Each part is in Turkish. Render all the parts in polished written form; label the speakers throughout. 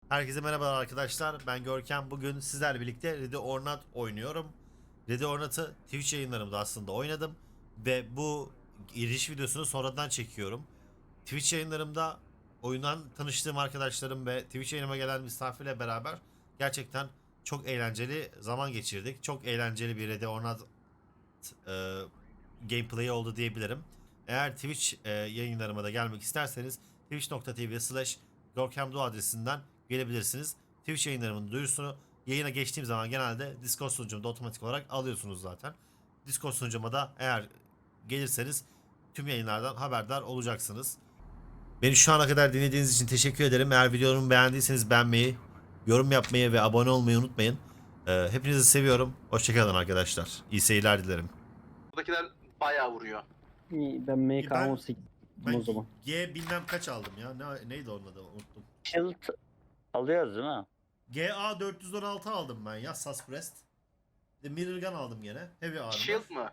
Speaker 1: Herkese merhabalar arkadaşlar. Ben Görkem. Bugün sizlerle birlikte Ready or Not oynuyorum. Ready or Not'ı Twitch yayınlarımda aslında oynadım. Ve bu giriş videosunu sonradan çekiyorum. Twitch yayınlarımda oyundan tanıştığım arkadaşlarım ve Twitch yayınıma gelen misafirle beraber gerçekten çok eğlenceli zaman geçirdik. Çok eğlenceli bir Ready or Not e, gameplay oldu diyebilirim. Eğer Twitch yayınlarıma da gelmek isterseniz twitch.tv/gorkemdo adresinden gelebilirsiniz. Twitch yayınlarımın duyurusunu yayına geçtiğim zaman genelde Discord sunucumda otomatik olarak alıyorsunuz zaten. Discord sunucuma da eğer gelirseniz tüm yayınlardan haberdar olacaksınız. Beni şu ana kadar dinlediğiniz için teşekkür ederim. Eğer videomu beğendiyseniz beğenmeyi, yorum yapmayı ve abone olmayı unutmayın. Hepinizi seviyorum. Hoşçakalın arkadaşlar. İyi seyirler dilerim.
Speaker 2: Buradakiler bayağı vuruyor.
Speaker 3: İyi, ben MK18 o
Speaker 1: Ben
Speaker 3: zaman.
Speaker 1: G bilmem kaç aldım ya. Neydi onun adı unuttum.
Speaker 4: Shield alıyoruz değil mi?
Speaker 1: GA 416 aldım ben ya Suspressed. De Mirror Gun aldım gene. Heavy armor.
Speaker 2: Shield mı?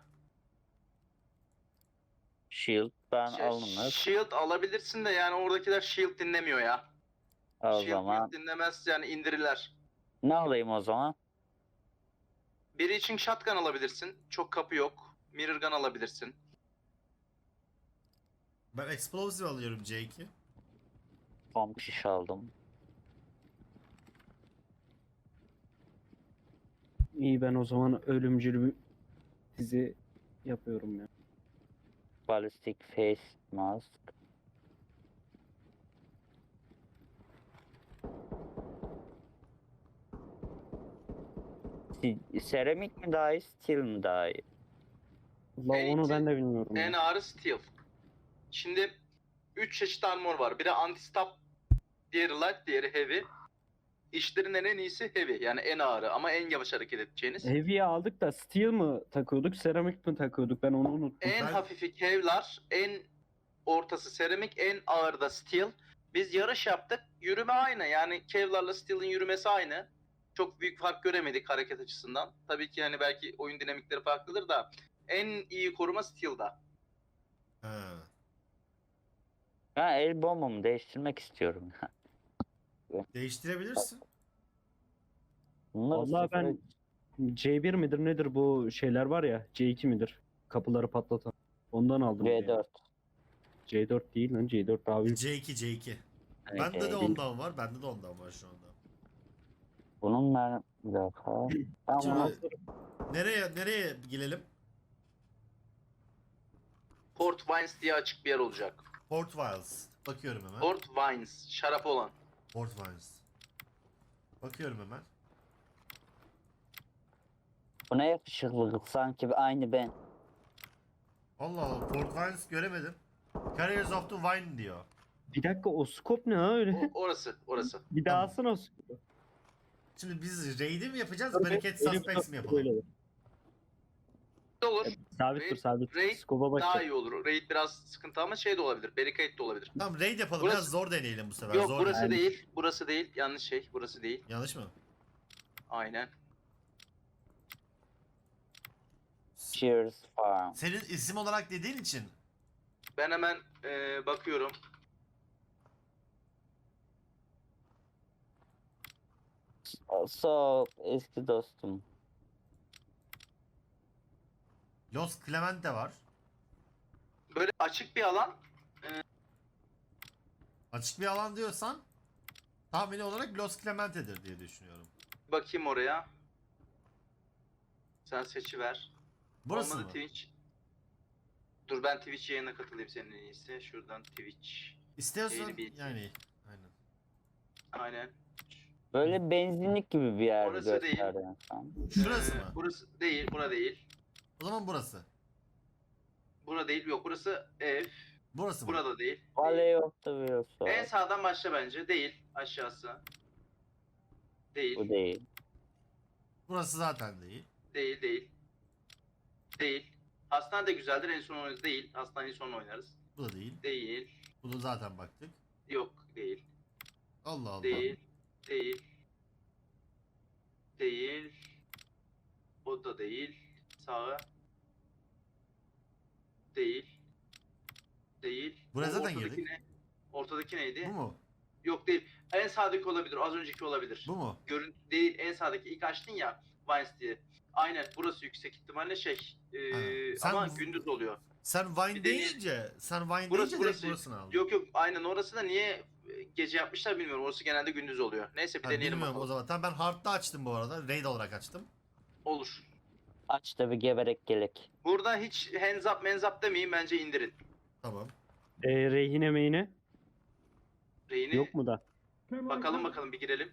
Speaker 4: Shield ben
Speaker 2: Şey,
Speaker 4: alınır.
Speaker 2: Shield alabilirsin de yani oradakiler Shield dinlemiyor ya.
Speaker 4: O
Speaker 2: Shield
Speaker 4: zaman
Speaker 2: dinlemez yani indirirler.
Speaker 4: ne alayım o zaman?
Speaker 2: Biri için shotgun alabilirsin. Çok kapı yok. Mirror gun alabilirsin.
Speaker 1: Ben Explosive alıyorum C2.
Speaker 4: Pump şiş aldım.
Speaker 3: İyi, ben o zaman ölümcül bir dizi yapıyorum ya.
Speaker 4: Ballistic face mask. Seramik mi daha iyi, steel mi daha iyi?
Speaker 3: Valla
Speaker 2: En
Speaker 3: onu
Speaker 2: iti-
Speaker 3: ben de bilmiyorum
Speaker 2: En
Speaker 3: ya.
Speaker 2: ağırı steel. Şimdi 3 çeşit armor var. Biri anti-stop, diğeri light, diğeri heavy. İşlerinden en iyisi heavy yani en ağırı ama en yavaş hareket edeceğiniz.
Speaker 3: Heavy'yi aldık da steel mi takıyorduk, seramik mi takıyorduk, ben onu unuttum.
Speaker 2: En
Speaker 1: Ben-
Speaker 2: hafifi Kevlar, en ortası seramik, en ağır da steel. Biz yarış yaptık. Yürüme aynı. Yani Kevlar'la Steel'in yürümesi aynı. Çok büyük fark göremedik hareket açısından. Tabii ki hani belki oyun dinamikleri farklıdır da en iyi koruma Steel'da.
Speaker 1: Ha.
Speaker 4: Ben el bombumu değiştirmek istiyorum.
Speaker 1: Değiştirebilirsin.
Speaker 4: Bunları
Speaker 3: Vallahi ben
Speaker 4: sıfıra-
Speaker 3: C1 midir nedir bu şeyler var ya, C2 midir? Kapıları patlatan. Ondan aldım.
Speaker 4: V4.
Speaker 3: C4 değil lan, C4 daha büyük.
Speaker 1: C2.
Speaker 4: Hani
Speaker 1: Bende de
Speaker 4: C1.
Speaker 1: ondan var. Bende de ondan var şu anda.
Speaker 4: Bunun ben bir dakika. Ben
Speaker 1: Şimdi
Speaker 4: bunu
Speaker 1: nereye girelim?
Speaker 2: Port Wines diye açık bir yer olacak.
Speaker 1: Port Wiles. Bakıyorum hemen.
Speaker 2: Port Wines, şarap olan.
Speaker 1: Port Wiles. Bakıyorum hemen.
Speaker 4: buna yakışıklılık sanki aynı ben.
Speaker 1: Allah Allah. Port Wiles göremedim. Carriers of the Wine diyor.
Speaker 3: Bir dakika, o scope ne ha öyle?
Speaker 2: Orası.
Speaker 3: Bir daha
Speaker 1: Tamam.
Speaker 3: alsana o scope'u.
Speaker 1: Şimdi biz raid'i mi yapacağız?
Speaker 3: Dur,
Speaker 1: Barricade
Speaker 3: elim
Speaker 1: Suspects
Speaker 3: dur,
Speaker 1: mi yapalım?
Speaker 3: böyle dur.
Speaker 2: Olur.
Speaker 3: Sabit dur, sabit.
Speaker 2: Raid
Speaker 3: Scope'a
Speaker 2: Daha
Speaker 3: bak.
Speaker 2: iyi olur. Raid biraz sıkıntı ama şey de olabilir. Barricade de olabilir.
Speaker 1: Tamam raid yapalım.
Speaker 2: Burası-
Speaker 1: Biraz zor deneyelim bu sefer.
Speaker 2: Yok
Speaker 1: Zor
Speaker 2: burası
Speaker 1: deneyelim.
Speaker 2: değil. Burası değil. Yanlış şey. Burası değil.
Speaker 1: Yanlış mı?
Speaker 2: Aynen.
Speaker 4: Cheers Farm.
Speaker 1: Senin isim olarak dediğin için
Speaker 2: Ben hemen bakıyorum.
Speaker 4: So eski dostum.
Speaker 1: Los Clemente var.
Speaker 2: Böyle açık bir alan.
Speaker 1: Açık bir alan diyorsan tahmini olarak Los Clemente'dir diye düşünüyorum.
Speaker 2: Bakayım oraya. Sen seçiver.
Speaker 1: Burası
Speaker 2: Olmadı
Speaker 1: mı?
Speaker 2: Twitch. Dur ben Twitch yayına katılayım senin en iyisi. Şuradan Twitch.
Speaker 1: İstiyorsan
Speaker 2: Yeni bir-
Speaker 1: yani aynen.
Speaker 2: Aynen.
Speaker 4: Böyle benzinlik gibi bir yer
Speaker 2: Orası değil.
Speaker 4: gösteriyor sen.
Speaker 1: Şurası mı?
Speaker 2: Burası değil. Bura değil.
Speaker 1: O zaman burası.
Speaker 2: Bura değil. Yok burası ev.
Speaker 1: Burası mı?
Speaker 2: Burada değil.
Speaker 4: Valley of the Wheels
Speaker 2: En
Speaker 4: var.
Speaker 2: sağdan başla bence. Değil. Aşağısı. Değil.
Speaker 4: Bu değil.
Speaker 1: Burası zaten değil.
Speaker 2: Değil. Değil. Hastane de güzeldir. En son oynarız. Değil. Hastaneyi sonra oynarız.
Speaker 1: Bu da değil.
Speaker 2: Değil.
Speaker 1: Bunu zaten baktık.
Speaker 2: Yok. Değil.
Speaker 1: Allah Allah.
Speaker 2: Değil. Değil. Değil. O da değil. Sağı. Değil. Değil.
Speaker 1: Buraya
Speaker 2: O
Speaker 1: zaten
Speaker 2: ortadaki
Speaker 1: girdik.
Speaker 2: ne? Ortadaki neydi?
Speaker 1: Bu mu?
Speaker 2: Yok değil. En sağdaki olabilir. Az önceki olabilir.
Speaker 1: Bu mu?
Speaker 2: Görüntü değil. En sağdaki ilk açtın ya. Vines diye. Aynen burası yüksek ihtimalle şey.
Speaker 1: Ha. Sen-
Speaker 2: Ama gündüz oluyor.
Speaker 1: Sen Vine
Speaker 2: Bir de niye-
Speaker 1: sen Vine
Speaker 2: Burası,
Speaker 1: deyince direkt
Speaker 2: burası.
Speaker 1: burasını aldın.
Speaker 2: Yok yok aynen orası da niye gece yapmışlar bilmiyorum. Orası genelde gündüz oluyor. Neyse bir
Speaker 1: Ha,
Speaker 2: deneyelim
Speaker 1: bilmiyorum o
Speaker 2: bakalım.
Speaker 1: zaman. Tamam ben Hard'da açtım bu arada. Raid olarak açtım.
Speaker 2: Olur.
Speaker 4: Aç da bir geberek gelek.
Speaker 2: Burada hiç hands up menz up demeyin bence indirin.
Speaker 1: Tamam.
Speaker 3: Rehine meyine
Speaker 2: Reyni
Speaker 3: yok mu da?
Speaker 2: bakalım bir girelim.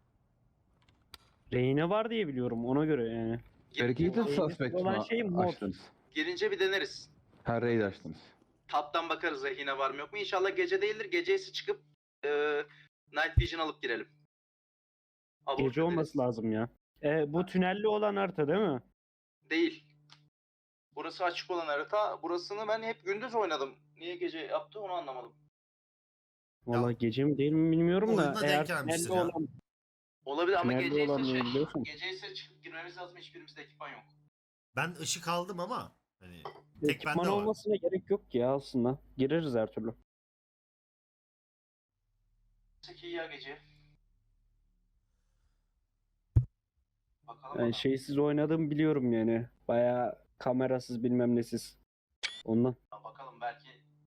Speaker 3: Rehine var diye biliyorum ona göre yani.
Speaker 5: Dedicated
Speaker 3: Rey'in
Speaker 5: Suspect
Speaker 3: olan
Speaker 5: mi
Speaker 3: şey mod.
Speaker 5: açtınız?
Speaker 2: Girince bir deneriz.
Speaker 5: Ha, raid açtınız.
Speaker 2: Taptan bakarız rehine var mı yok mu. İnşallah gece değildir. Geceyse çıkıp Night Vision alıp girelim. Abort
Speaker 3: Gece
Speaker 2: ederiz.
Speaker 3: olması lazım ya. Bu tünelli olan harita değil mi?
Speaker 2: Değil. Burası açık olan harita. Burasını ben hep gündüz oynadım. Niye gece yaptı onu anlamadım.
Speaker 3: Valla gece mi değil mi bilmiyorum da.
Speaker 1: Oyuna
Speaker 3: Eğer
Speaker 1: denk gelmiştir
Speaker 3: tünelli
Speaker 1: ya.
Speaker 3: olan
Speaker 2: Olabilir ama
Speaker 3: Tünelde
Speaker 2: gece
Speaker 3: olan
Speaker 2: ise
Speaker 3: neyi biliyorsun?
Speaker 2: gece ise çıkıp girmemiz lazım. Hiçbirimizde ekipman yok.
Speaker 1: Ben ışık aldım ama hani tek
Speaker 3: ekipman
Speaker 1: bende var.
Speaker 3: olmasına gerek yok ki ya aslında. Gireriz her türlü.
Speaker 2: Peki ya gece. Bakalım.
Speaker 3: Ben şeysiz oynadığımı biliyorum yani. Bayağı kamerasız bilmem nesiz. Ondan.
Speaker 2: Bakalım belki.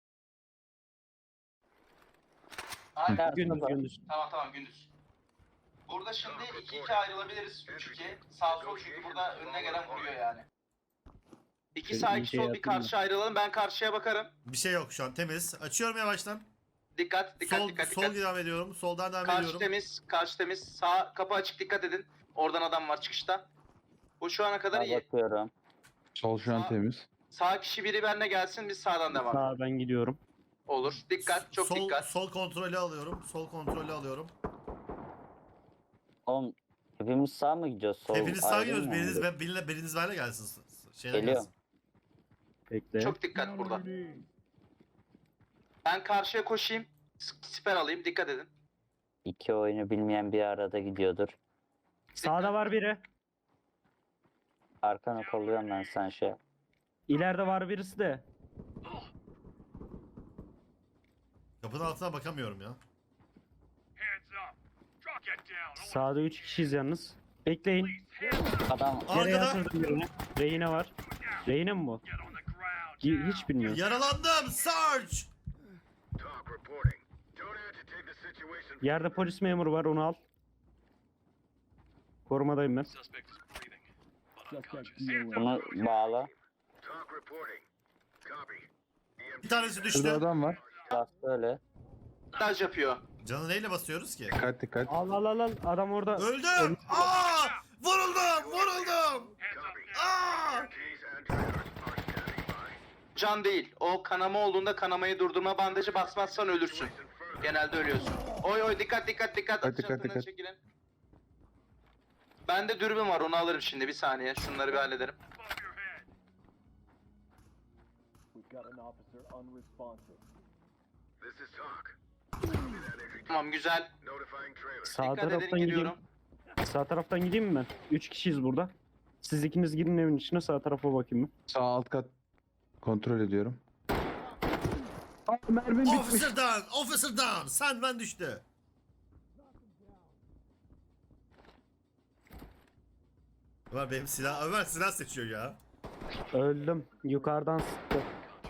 Speaker 2: Aynen.
Speaker 4: Ders
Speaker 3: Gündüz
Speaker 4: var.
Speaker 3: gündüz.
Speaker 2: Tamam gündüz. Burada şimdi 2-2 ayrılabiliriz. 3-2. Sağ sol çünkü burada önüne gelen vuruyor yani. İki
Speaker 3: Ben
Speaker 2: sağ
Speaker 3: iyi
Speaker 2: iki
Speaker 3: şey
Speaker 2: sol bir
Speaker 3: yaptım da.
Speaker 2: karşı ayrılalım. Ben karşıya bakarım.
Speaker 1: Bir şey yok şu an temiz. Açıyorum yavaştan.
Speaker 2: Dikkat.
Speaker 1: Sol devam ediyorum. Soldan devam
Speaker 2: Karşı
Speaker 1: ediyorum.
Speaker 2: karşı temiz. Sağ kapı açık dikkat edin. Oradan adam var çıkışta. Bu şu ana kadar iyi.
Speaker 4: Bakıyorum.
Speaker 5: Sol şu an
Speaker 2: Sağ-
Speaker 5: temiz.
Speaker 2: Sağ kişi biri benimle gelsin biz sağdan devam.
Speaker 3: Sağa ben gidiyorum.
Speaker 2: Olur. Dikkat. Çok
Speaker 1: sol,
Speaker 2: dikkat.
Speaker 1: Sol kontrolü alıyorum. Sol kontrolü alıyorum.
Speaker 4: Oğlum hepimiz sağ mı gidiyoruz? Sol
Speaker 1: Hepiniz sağ
Speaker 4: ayrı
Speaker 1: gidiyoruz.
Speaker 4: mı?
Speaker 1: Biriniz benimle gelsin. Şeyden
Speaker 4: Geliyor.
Speaker 1: gelsin.
Speaker 3: Bekle.
Speaker 2: Çok dikkat burada. Ben karşıya koşayım. Siper alayım. Dikkat edin.
Speaker 4: İki oyunu bilmeyen bir arada gidiyordur.
Speaker 3: Sağda var biri.
Speaker 4: Arkana kolluyorum ben sen şey.
Speaker 3: İleride var birisi de.
Speaker 1: Kapının altına bakamıyorum ya.
Speaker 3: Sağda 3 kişiyiz yalnız. Bekleyin.
Speaker 4: Adam
Speaker 3: Nereye
Speaker 1: Arkada
Speaker 3: atırdım birini? Rehine var. Rehine mi bu? Hiç bilmiyorum.
Speaker 1: yaralandım. Sarge.
Speaker 3: Yerde polis memuru var onu al. Korumadayım ben.
Speaker 4: bunu bağla.
Speaker 1: Bir tanesi
Speaker 5: Şurada
Speaker 1: düştü.
Speaker 5: adam var.
Speaker 4: Bas böyle.
Speaker 2: Montaj yapıyor.
Speaker 1: Canı neyle basıyoruz ki?
Speaker 5: Dikkat dikkat.
Speaker 3: Al al al al. Adam orada.
Speaker 1: Öldüm. Aa! Vuruldum. Aa!
Speaker 2: Can değil. O kanama olduğunda kanamayı durdurma bandajı basmazsan ölürsün. Genelde ölüyorsun. Oy dikkat.
Speaker 5: Dikkat,
Speaker 2: Atış
Speaker 5: dikkat,
Speaker 2: hattından
Speaker 5: dikkat.
Speaker 2: çekilin. Bende dürbün var onu alırım şimdi bir saniye. Şunları bir hallederim. Tamam güzel.
Speaker 3: Sağ
Speaker 2: Dikkat edin
Speaker 3: taraftan gideyim.
Speaker 2: giriyorum.
Speaker 3: Sağ taraftan gideyim mi ben? 3 kişiyiz burada. Siz ikiniz girin evin içine sağ tarafa bakayım ben.
Speaker 5: Sağ alt kat kontrol ediyorum.
Speaker 1: Officer down. Sandman düştü. Ömer silah seçiyor ya.
Speaker 3: Öldüm. Yukarıdan sıktı.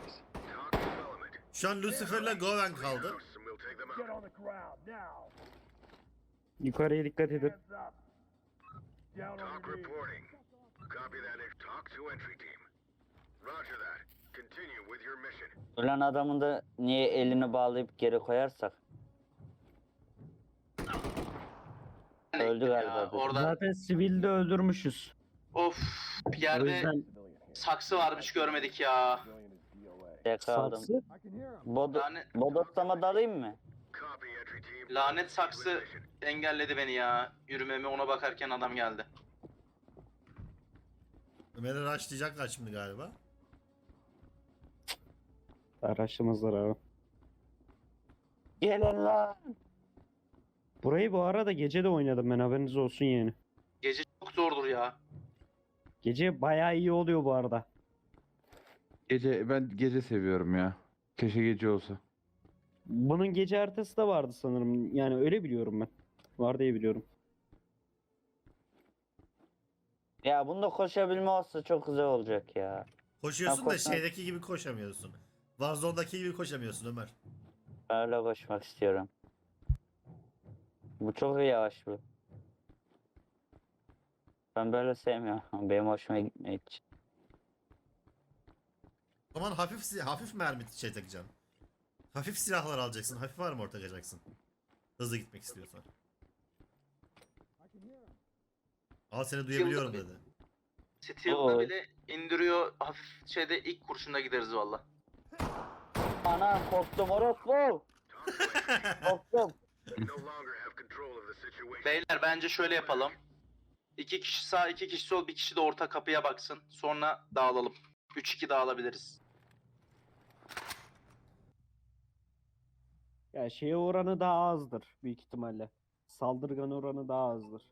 Speaker 1: Şu an Lucifer'la Goven kaldı.
Speaker 3: Yukarıya dikkat edin.
Speaker 4: Ölen adamın da niye elini bağlayıp geri koyarsak? Öldü
Speaker 2: Ya,
Speaker 4: galiba. bu.
Speaker 2: orada
Speaker 3: Zaten sivilde öldürmüşüz.
Speaker 2: of
Speaker 3: O
Speaker 2: yerde
Speaker 3: yüzden
Speaker 2: saksı varmış görmedik ya.
Speaker 4: Yakaladım.
Speaker 3: saksı.
Speaker 4: Bodoslama dalayım mı?
Speaker 2: Lanet saksı engelledi beni ya. Yürümemi ona bakarken adam geldi.
Speaker 1: Ömer'i rushlayacaklar şimdi galiba.
Speaker 3: Araçlamazlar abi.
Speaker 4: Gelin lan.
Speaker 3: Burayı bu arada gece de oynadım ben haberiniz olsun yani.
Speaker 2: Gece çok zordur ya.
Speaker 3: Gece bayağı iyi oluyor bu arada.
Speaker 5: Ben gece seviyorum ya. Keşke gece olsa.
Speaker 3: Bunun gece haritası da vardı sanırım. Yani öyle biliyorum ben. Var diye biliyorum.
Speaker 4: Ya bunda koşabilme olsa çok güzel olacak ya.
Speaker 1: Koşuyorsun
Speaker 4: Ben
Speaker 1: da
Speaker 4: koşsam-
Speaker 1: şeydeki gibi koşamıyorsun. Warzone'daki gibi koşamıyorsun Ömer.
Speaker 4: Öyle koşmak istiyorum. Bu çok yavaş bu. Ben böyle sevmiyorum. Benim hoşuma gitmiyor hiç.
Speaker 1: O zaman hafif mermi şey takacaksın. Hafif silahlar alacaksın. Hafif armor takacaksın. Hızlı gitmek istiyorsan. Al seni duyabiliyorum
Speaker 2: Yılda bir-
Speaker 1: dedi.
Speaker 2: Steel'da
Speaker 4: Oy.
Speaker 2: bile indiriyor. Hafif şeyde ilk kurşunda gideriz valla.
Speaker 4: Ana korktum orospu. Korktum.
Speaker 2: Beyler bence şöyle yapalım. 2 kişi sağ, 2 kişi sol, bir kişi de orta kapıya baksın. Sonra dağılalım. 3-2 dağılabiliriz.
Speaker 3: Ya şeye oranı daha azdır büyük ihtimalle. Saldırgan oranı daha azdır.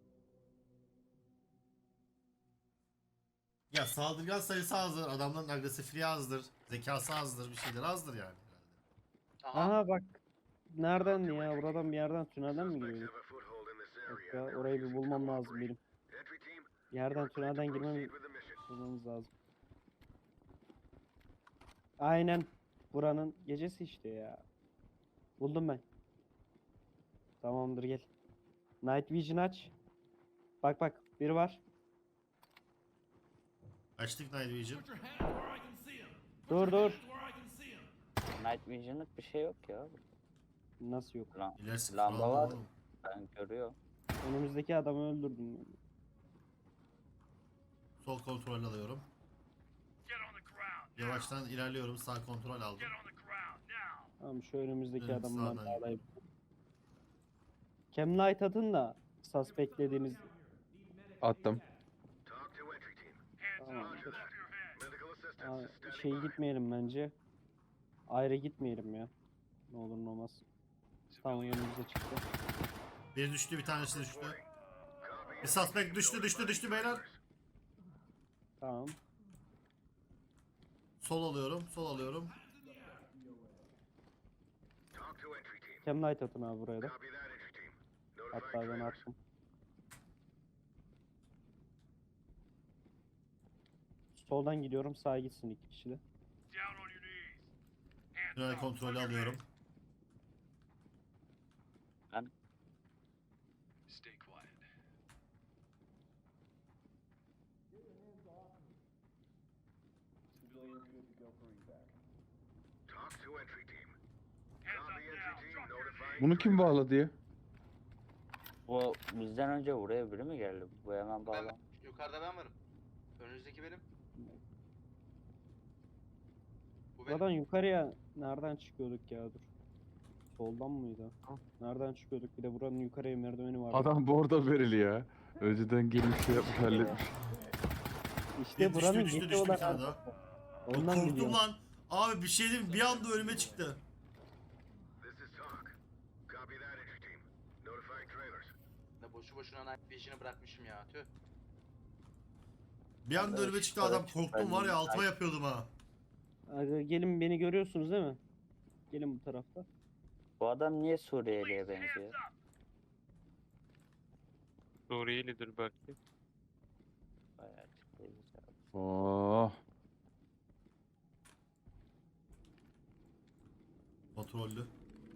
Speaker 1: Ya saldırgan sayısı azdır. Adamların agresifliği azdır. Zekası azdır. Bir şeyler azdır yani.
Speaker 2: Aha.
Speaker 3: Aha bak. Nereden ya? Buradan bir yerden tünelden mi giriyorduk? Yok ya, orayı bir bulmam lazım benim. Bir yerden tünelden bulmamız lazım. Aynen. Buranın gecesi işte ya. Buldum ben. Tamamdır gel. Night Vision aç. Bak bak biri var.
Speaker 1: Açtık Night Vision.
Speaker 3: Dur dur.
Speaker 4: Night Vision'lık bir şey yok ya.
Speaker 3: Nasıl yok?
Speaker 1: İlerisi
Speaker 4: Lamba
Speaker 1: falan
Speaker 4: var.
Speaker 1: oğlum.
Speaker 4: Ben görüyorum.
Speaker 3: Önümüzdeki adamı öldürdüm.
Speaker 1: Sol kontrol alıyorum. Yavaştan ilerliyorum. Sağ kontrol aldım.
Speaker 3: Tamam şu önümüzdeki
Speaker 1: Evet,
Speaker 3: adamı ben
Speaker 1: sağdan
Speaker 3: bağlayayım. Cam Light atın da suspect dediğimiz
Speaker 5: Attım.
Speaker 3: tamamdır. Şey gitmeyelim bence. Ayrı gitmeyelim ya. Ne olur ne olmaz. Tamam önümüze çıktı.
Speaker 1: Bir düştü, bir tanesi düştü. Bir suspect düştü beyler.
Speaker 3: Tamam.
Speaker 1: Sol alıyorum.
Speaker 3: Cam Light atın abi buraya da. Hatta ben attım. Soldan gidiyorum sağa gitsin iki kişi de.
Speaker 1: Tünel kontrolü alıyorum.
Speaker 5: Bunu kim bağladı ya?
Speaker 4: Bu bizden önce buraya biri mi geldi? Bu hemen
Speaker 2: Ben,
Speaker 4: bağlan.
Speaker 2: yukarıda ben varım. Önünüzdeki benim. Bu benim.
Speaker 3: Buradan yukarıya nereden çıkıyorduk ya dur. Soldan mıydı? Nereden çıkıyorduk? Bir de buranın yukarıya merdiveni var.
Speaker 5: Adam bordo verili ya. Önceden gelmiş şey yapmış halletmiş.
Speaker 3: İşte
Speaker 1: Bir
Speaker 3: buranın
Speaker 1: düştü,
Speaker 3: gece
Speaker 1: bir
Speaker 3: olan
Speaker 1: tane daha.
Speaker 3: ondan
Speaker 1: Korktum
Speaker 3: biliyorum.
Speaker 1: lan. Abi bir şey diyeyim mi? Bir anda önüme çıktı.
Speaker 2: Da boşu boşuna Night Vision'ı bırakmışım ya. Tüh.
Speaker 1: Bir anda önüme çıktı adam. Korktum var ya altıma yapıyordum ha.
Speaker 3: Aga, gelin beni görüyorsunuz değil mi? Gelin bu tarafta.
Speaker 4: Bu adam niye Suriyeli'ye benziyor?
Speaker 6: Suriyelidir belki.
Speaker 4: Bayağı açıklayıcı abi.
Speaker 5: Oh.
Speaker 1: Kontrollü.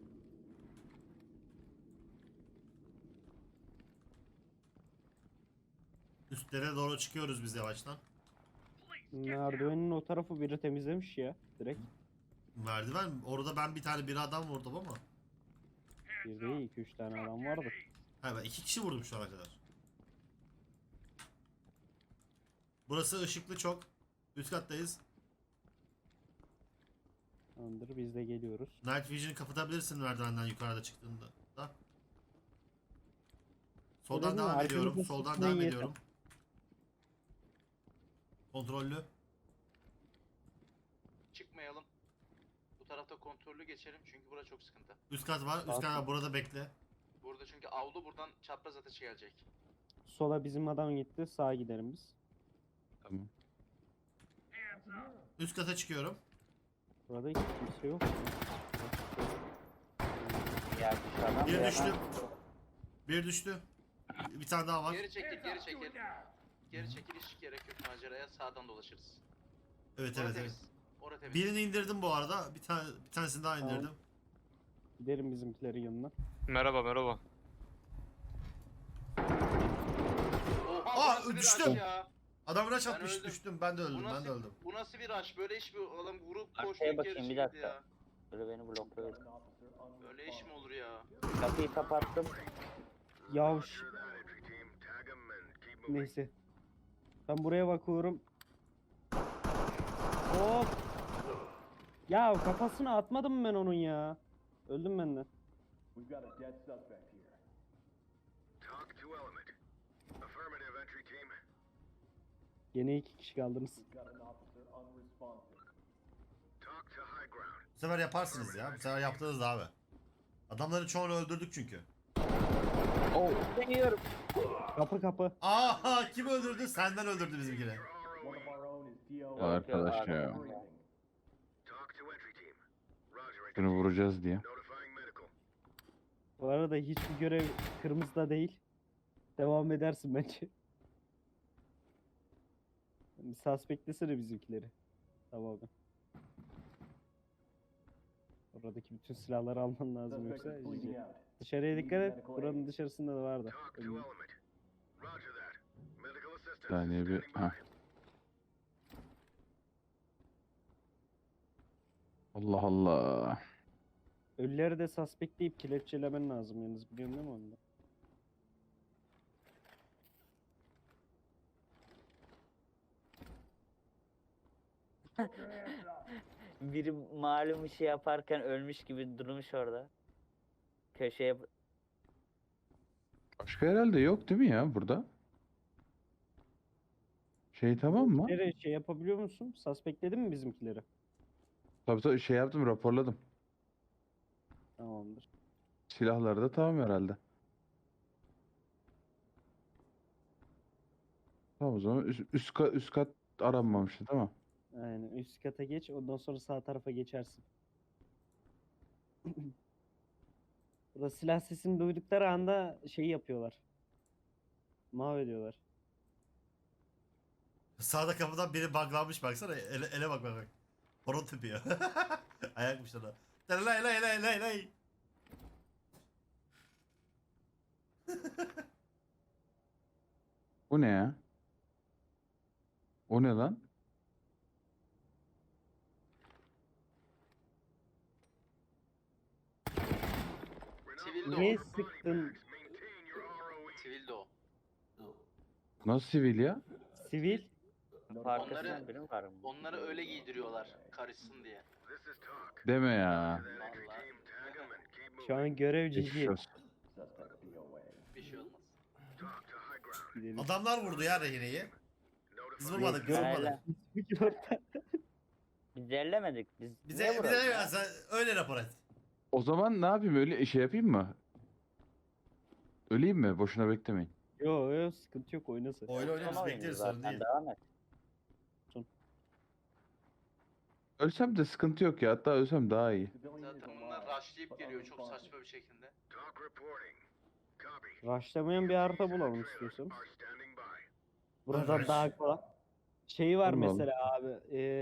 Speaker 1: Üstlere doğru çıkıyoruz biz yavaştan.
Speaker 3: Merdivenin o tarafı biri temizlemiş ya direkt.
Speaker 1: Merdiven. Orada ben bir adam vurdum ama.
Speaker 3: Bir değil 2-3 tane adam vardı.
Speaker 1: Ha ben 2 kişi vurdum şu ana kadar. Burası ışıklı çok. Üst kattayız.
Speaker 3: Tamamdır biz de geliyoruz.
Speaker 1: Night Vision'ı kapatabilirsin merdivenden yukarıda çıktığında. Da. Soldan
Speaker 3: Öyle mi?
Speaker 1: devam ediyorum.
Speaker 3: Arkamızda
Speaker 1: Soldan
Speaker 3: sıkmayın
Speaker 1: devam
Speaker 3: yeter.
Speaker 1: ediyorum. Kontrollü.
Speaker 2: Çıkmayalım. Bu tarafta kontrollü geçelim çünkü bura çok sıkıntı.
Speaker 1: Üst kat var. Üst kat var. Burada bekle.
Speaker 2: Burada çünkü avlu buradan çapraz ateşi gelecek.
Speaker 3: Sola bizim adam gitti sağa gidelim biz.
Speaker 5: Tamam.
Speaker 1: Üst kata çıkıyorum.
Speaker 3: Burada hiç kimse yok.
Speaker 4: Ya dışarıdan
Speaker 1: Bir
Speaker 4: bir
Speaker 1: düştü.
Speaker 4: adam-
Speaker 1: Bir düştü. Bir tane daha var.
Speaker 2: Geri çekil, geri çekil. Geri çekil, hiç gerek yok maceraya. Sağdan dolaşırız.
Speaker 1: Evet
Speaker 2: Orada
Speaker 1: evet evet.
Speaker 2: temiz. Orada temiz.
Speaker 1: Birini indirdim bu arada. Bir tanesini daha
Speaker 3: Tamam.
Speaker 1: indirdim.
Speaker 3: Giderim bizimkilerin yanına.
Speaker 6: Merhaba merhaba.
Speaker 2: Oha, bu nasıl bir
Speaker 1: düştüm.
Speaker 2: rush ya?
Speaker 1: Adam rush
Speaker 2: Ben
Speaker 1: atmış
Speaker 2: öldüm.
Speaker 1: düştüm. Ben de öldüm.
Speaker 2: Bu
Speaker 1: Ben
Speaker 2: nasıl,
Speaker 1: de öldüm.
Speaker 2: bu nasıl bir rush? Böyle iş mi? Adam vurup
Speaker 4: Arkaya
Speaker 2: koştu
Speaker 4: bakayım,
Speaker 2: geri
Speaker 4: bir
Speaker 2: çekildi
Speaker 4: dakika.
Speaker 2: ya.
Speaker 4: Böyle beni blokladı.
Speaker 2: Böyle iş mi olur ya?
Speaker 4: Kapıyı kapattım.
Speaker 3: Yavuş. Neyse. Ben buraya bakıyorum. Hop. Ya kafasına atmadım ben onun ya. Öldüm ben de. Gene 2 kişi kaldınız.
Speaker 1: Bu sefer yaparsınız ya. Bu sefer yaptınız abi. Adamların çoğunu öldürdük çünkü.
Speaker 4: Oh. Deniyorum.
Speaker 3: Kapı kapı.
Speaker 1: Aa kim öldürdü? Senden öldürdü bizimkini.
Speaker 5: Arkadaş ya. Şunu vuracağız diye.
Speaker 3: Bu arada hiçbir görev kırmızıda değil. Devam edersin bence. Bir suspectlesene bizimkileri. Tamam. Oradaki bütün silahları alman lazım yoksa. GG. Dışarıya dikkat et. Buranın dışarısında da vardı. Önünde.
Speaker 5: Bir saniye bir. Heh. Allah Allah.
Speaker 3: Ölüleri de suspectleyip kelepçelemen lazım yalnız, biliyorsun değil mi onu da?
Speaker 4: Biri malum işi yaparken ölmüş gibi durmuş orada. Köşeye
Speaker 5: Başka herhalde yok değil mi ya burada? Şey tamam mı?
Speaker 3: Bizimkileri şey yapabiliyor musun? Suspectledin mi bizimkileri?
Speaker 5: Tabii tabii şey yaptım, raporladım.
Speaker 3: Tamamdır.
Speaker 5: Silahları da tamam herhalde. Tamam o zaman üst kat aranmamıştı değil mi?
Speaker 3: Aynen, üst kata geç, ondan sonra sağ tarafa geçersin. Burada silah sesini duydukları anda şeyi yapıyorlar. Mahvediyorlar.
Speaker 1: Sağda kapıdan biri buglanmış baksana. Ele bak bak bak. Horon tepiyor. Ayakmış ona. Lay lay lay lay lay.
Speaker 5: Bu ne ya? O ne lan?
Speaker 2: Sivil de
Speaker 3: Niye
Speaker 2: o.
Speaker 3: sıktın?
Speaker 2: Sivil de o.
Speaker 5: Nasıl sivil ya?
Speaker 3: Sivil.
Speaker 4: arkasından biri mi var mı?
Speaker 2: Onları öyle giydiriyorlar. Karışsın diye.
Speaker 5: Deme ya.
Speaker 2: Vallahi.
Speaker 3: Şu an görev
Speaker 5: Geçmiş
Speaker 3: GG.
Speaker 5: olsun.
Speaker 2: Bir şey olmaz.
Speaker 3: Gidelim.
Speaker 1: Adamlar vurdu ya rehineyi. Biz vurmadık biz
Speaker 3: Yok,
Speaker 1: vurmadık.
Speaker 4: Biz ellemedik. Biz niye
Speaker 1: Bize
Speaker 4: vuralım ya?
Speaker 1: sen öyle rapor et.
Speaker 5: O zaman ne yapayım, öyle şey yapayım mı? Öleyim mi? Boşuna beklemeyin.
Speaker 3: Yo yo, sıkıntı yok, oynasın.
Speaker 1: Oyna oyna biz
Speaker 4: Tamam,
Speaker 1: bekleriz
Speaker 4: zaten
Speaker 1: sorun değil.
Speaker 4: devam et.
Speaker 5: Ölsem de sıkıntı yok ya. Hatta ölsem daha iyi.
Speaker 2: Zaten bunlar rushlayıp geliyor çok saçma bir şekilde.
Speaker 3: Rushlamayan bir harita bulalım istiyorsanız. Buradan
Speaker 1: Rush.
Speaker 3: daha kolay. Şeyi var
Speaker 5: Bulmadım.
Speaker 3: mesela abi.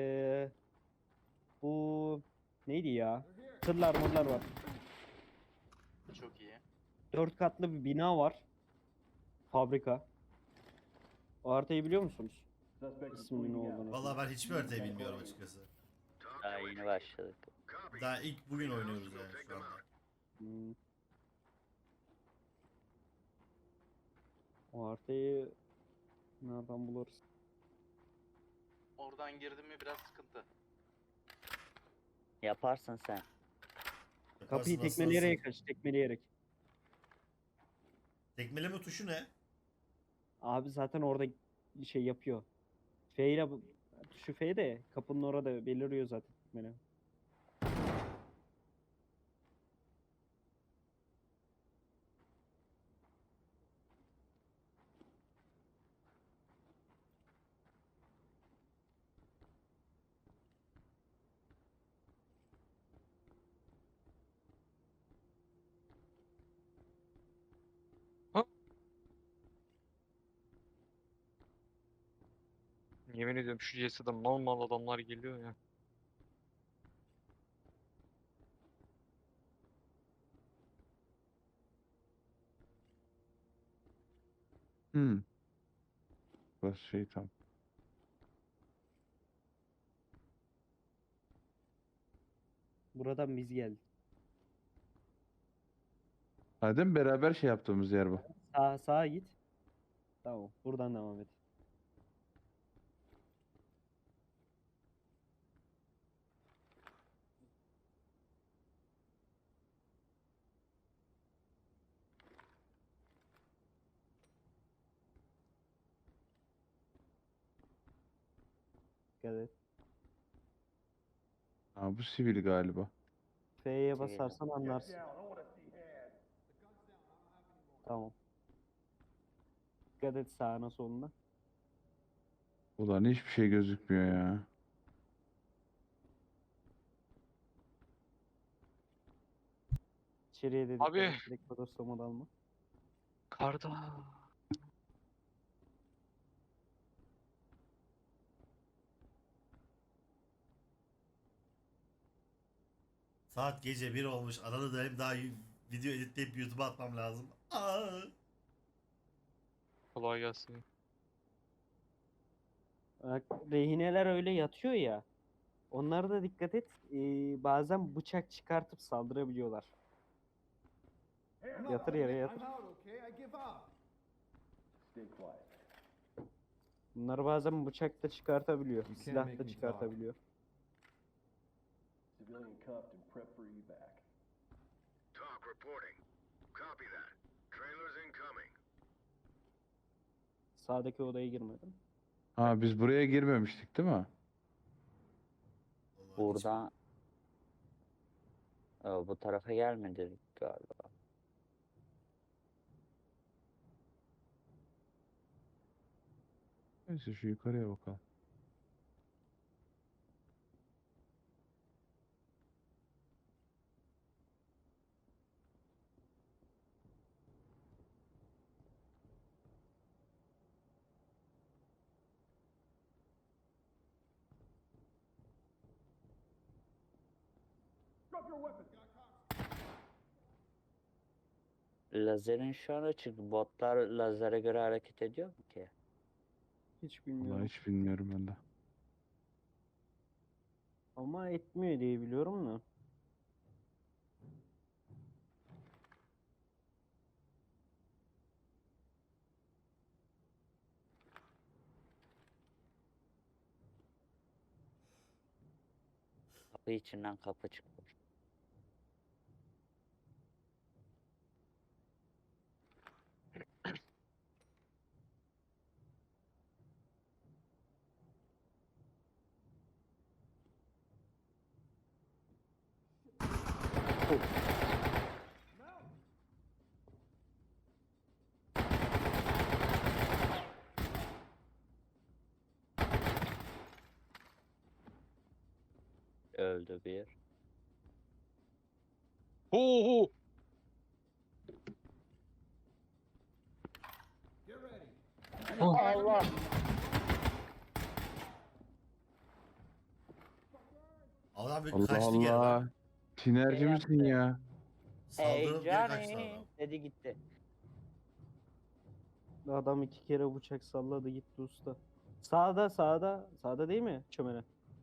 Speaker 3: Bu neydi ya? Tırlar mırlar var.
Speaker 2: Çok iyi.
Speaker 3: 4 katlı bir bina var. Fabrika. O haritayı biliyor musunuz? İsminin ne olduğunu.
Speaker 1: Vallahi ben hiçbir haritayı bilmiyorum açıkçası.
Speaker 4: Daha yeni başladık.
Speaker 1: Daha ilk bugün oynuyoruz yani şu anda.
Speaker 3: Hmm. O haritayı nereden buluruz?
Speaker 2: Oradan girdim mi biraz sıkıntı.
Speaker 4: Yaparsın sen.
Speaker 3: Kapıyı
Speaker 1: Yaparsın,
Speaker 3: tekmeleyerek
Speaker 1: aslansın.
Speaker 3: aç, tekmeleyerek.
Speaker 1: Tekmeleme tuşu ne?
Speaker 3: Abi zaten orada şey yapıyor. F ile tuşu F de kapının orada beliriyor zaten tekmele.
Speaker 6: Yemin ediyorum şu CS'de mal mal adamlar geliyor ya.
Speaker 5: Hmm. Burası şey tam.
Speaker 3: Buradan biz geldik.
Speaker 5: Adem beraber şey yaptığımız yer bu.
Speaker 3: Sağa git. Tamam. Buradan devam et. Dikkat et.
Speaker 5: Ha, bu sivil galiba.
Speaker 3: F'ye
Speaker 4: Sivil.
Speaker 3: basarsan anlarsın. Tamam. Dikkat et sağına soluna.
Speaker 5: Ulan hiçbir şey gözükmüyor ya.
Speaker 3: İçeriye de dikkat
Speaker 6: Abi.
Speaker 3: et. Direkt bodoslama dalma.
Speaker 6: Karda.
Speaker 1: Saat gece 1 olmuş. Arada da hem daha video editleyip YouTube'a atmam lazım. Aa.
Speaker 6: Kolay gelsin.
Speaker 3: Bak, rehineler öyle yatıyor ya. Onlara da dikkat et. Bazen bıçak çıkartıp saldırabiliyorlar. Yatır yere yatır. Bunlar bazen bıçak da çıkartabiliyor.
Speaker 7: You can't
Speaker 3: Silah
Speaker 7: make
Speaker 3: da
Speaker 7: me
Speaker 3: çıkartabiliyor.
Speaker 7: Civilian cuffed and prep for evac.
Speaker 8: Talk reporting. Copy that. Trailers incoming.
Speaker 3: Sağdaki odaya girmedim.
Speaker 5: Ha biz buraya girmemiştik değil mi?
Speaker 1: Vallahi hiç-
Speaker 4: Burada bu tarafa gelmedi galiba.
Speaker 5: Neyse şu yukarıya bakalım.
Speaker 4: Lazerin şu an açık. Botlar lazere göre hareket ediyor mu ki?
Speaker 3: Hiç
Speaker 5: Vallahi
Speaker 3: bilmiyorum.
Speaker 5: hiç bilmiyorum ben de.
Speaker 3: Ama etmiyor diye biliyorum da.
Speaker 4: Kapı içinden kapı çıkmış. Öldü bir.
Speaker 6: Ho ho.
Speaker 7: Get ready.
Speaker 4: Allah!
Speaker 1: Adam bir
Speaker 5: Allah
Speaker 1: kaçtı geri lan.
Speaker 5: Allah. Tinerci
Speaker 4: Şey
Speaker 5: misin
Speaker 4: yaptı.
Speaker 5: ya?
Speaker 4: Hey
Speaker 1: Saldırıp geri kaçtı
Speaker 4: Johnny!
Speaker 1: adam.
Speaker 4: Dedi gitti.
Speaker 3: Adam 2 kere bıçak salladı gitti usta. Sağda sağda. Sağda değil mi? Çömene.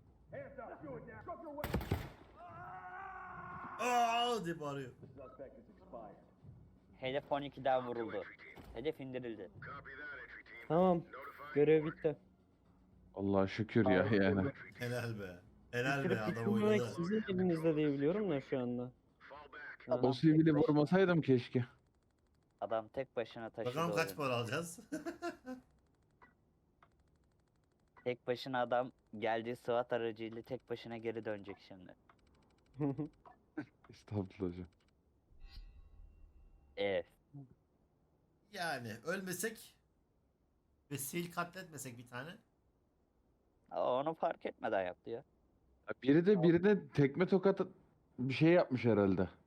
Speaker 1: Aa diye bağırıyor.
Speaker 7: The suspect is expired.
Speaker 4: Hedef 12'den vuruldu. Hedef indirildi.
Speaker 8: Copy that, entry team.
Speaker 3: Tamam.
Speaker 8: Notify
Speaker 3: Görev bitti.
Speaker 5: Allah şükür ya yani.
Speaker 1: Helal be. Helal be
Speaker 3: Bitirip
Speaker 1: adam
Speaker 3: bitirmemek
Speaker 1: oynadı.
Speaker 3: sizin elinizde diye biliyorum da şu anda.
Speaker 8: fall back.
Speaker 3: Ha.
Speaker 5: O sivili vurmasaydım keşke.
Speaker 4: Adam tek başına taşıdı
Speaker 1: Bakalım kaç
Speaker 4: oyunu.
Speaker 1: para alacağız.
Speaker 4: Tek başına adam geldiği SWAT aracıyla tek başına geri dönecek şimdi.
Speaker 5: Estağfurullah hocam.
Speaker 4: Evet.
Speaker 1: Yani ölmesek ve sil katletmesek bir tane.
Speaker 4: Onu fark etmeden yaptı ya.
Speaker 5: Biri de birine tekme tokat bir şey yapmış herhalde.